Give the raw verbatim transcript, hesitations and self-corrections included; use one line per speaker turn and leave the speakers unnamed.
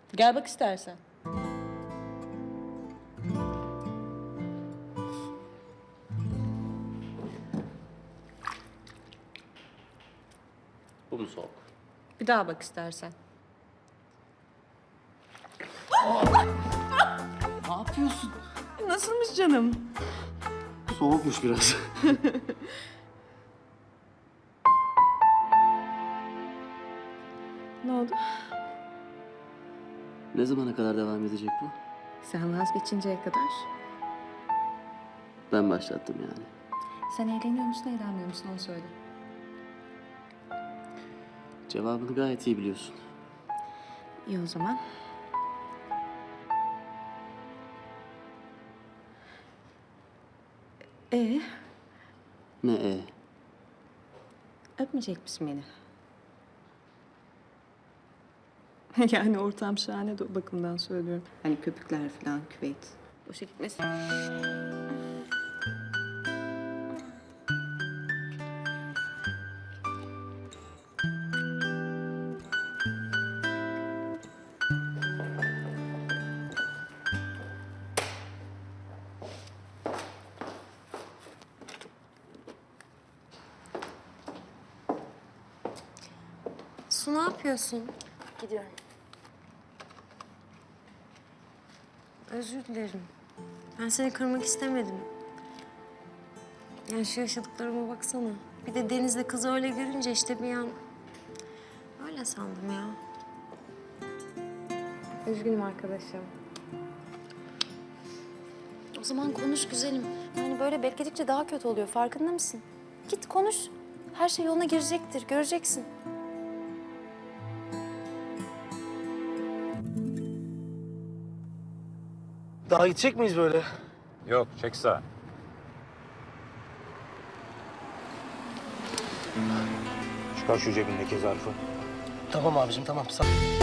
Gel bak istersen.
Bu mu soğuk?
Bir daha bak istersen.
Ne yapıyorsun?
Nasılmış canım?
Soğukmuş biraz.
Ne oldu?
Ne zamana kadar devam edecek bu?
Sen vazgeçinceye kadar.
Ben başlattım yani.
Sen eğleniyor musun, eğlenmiyor musun onu söyle.
Cevabını gayet iyi biliyorsun.
İyi o zaman. Ee,
Ne e?
öpmeyecek misin beni? Yani ortam şahane de o bakımdan söylüyorum. Hani köpükler falan, küveyt. Boşa gitmesin.
Su ne yapıyorsun?
Gidiyorum.
Özür dilerim. Ben seni kırmak istemedim. Yani şu yaşadıklarıma baksana. Bir de Deniz'le kızı öyle görünce işte bir an... Öyle sandım ya. Üzgünüm arkadaşım.
O zaman konuş güzelim. Yani böyle bekledikçe daha kötü oluyor. Farkında mısın? Git konuş. Her şey yoluna girecektir. Göreceksin.
Daha gidecek miyiz böyle?
Yok, çek sağa. Çıkar şu cebindeki zarfı.
Tamam abicim tamam. Sağ